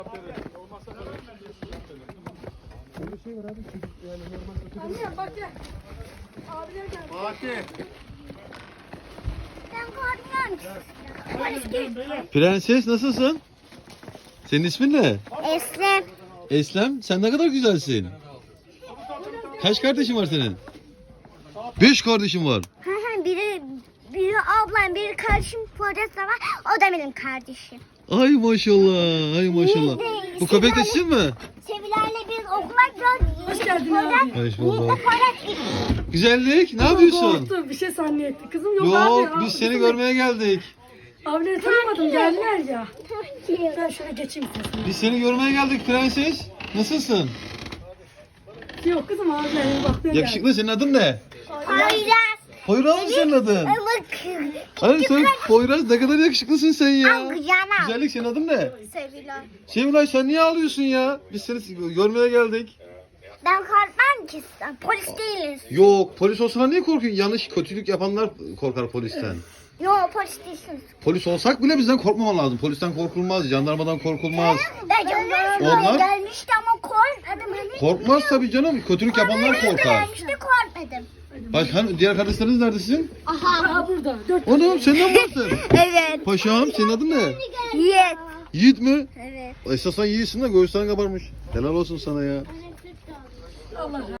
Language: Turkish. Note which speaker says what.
Speaker 1: Anne bak ya. Abiler geldi.
Speaker 2: Fatih.
Speaker 1: Ben korkmuyorum.
Speaker 3: Prenses nasılsın? Senin ismin ne?
Speaker 1: Eslem.
Speaker 3: Eslem, sen ne kadar güzelsin. Kaç kardeşin var senin? 5 kardeşim var.
Speaker 1: Biri ablam, biri kardeşim, Poyraz da var. O da benim kardeşim.
Speaker 3: Ay maşallah, ay maşallah. Bu köpek de sizin mi?
Speaker 1: Sevilerle biz okula gidiyoruz.
Speaker 4: Hoş geldin abi.
Speaker 3: Hoş bulduk. Güzellik, ne yapıyorsun?
Speaker 4: Korktum, bir şey zannetti. Kızım yok abi.
Speaker 3: Yok, biz seni görmeye geldik.
Speaker 4: Abileri tanımadım, geldiler ya. Ben şöyle geçeyim sesini.
Speaker 3: Biz seni görmeye geldik prenses. Nasılsın?
Speaker 4: Yok kızım abilerin bakmaya
Speaker 3: Yakışıklı, senin adın ne?
Speaker 1: Poyraz.
Speaker 3: Poyraz mı senin adın? Hayır sen Poyraz, ne kadar yakışıklısın sen ya.
Speaker 1: Kucağına.
Speaker 3: Güzellik, senin adın ne?
Speaker 1: Sevilen.
Speaker 3: Sevilay, sen niye ağlıyorsun ya? Biz seni görmeye geldik.
Speaker 1: Ben korkmam ki sen. Polis değiliz.
Speaker 3: Yok, polis olsana niye korkuyorsun? Yanlış, kötülük yapanlar korkar polisten.
Speaker 1: Yok polis değilsiniz.
Speaker 3: Polis olsak bile bizden korkmaman lazım. Polisten korkulmaz, jandarmadan korkulmaz.
Speaker 1: Ben canım
Speaker 3: Onlar-
Speaker 1: gelmişti ama korkmadım. Hani
Speaker 3: Korkmaz tabii canım. Kötülük yapanlar korkar.
Speaker 1: gelmişti korkmadım.
Speaker 3: Hani diğer kardeşleriniz nerede sizin?
Speaker 4: Aha burada. 4
Speaker 3: Oğlum sen ne varsın?
Speaker 1: Evet.
Speaker 3: Paşam, senin adın ne?
Speaker 1: Yiğit.
Speaker 3: Yiğit mi?
Speaker 1: Evet.
Speaker 3: Esasen yiğitsin de göğüsten kabarmış. Helal olsun sana ya.
Speaker 4: Allah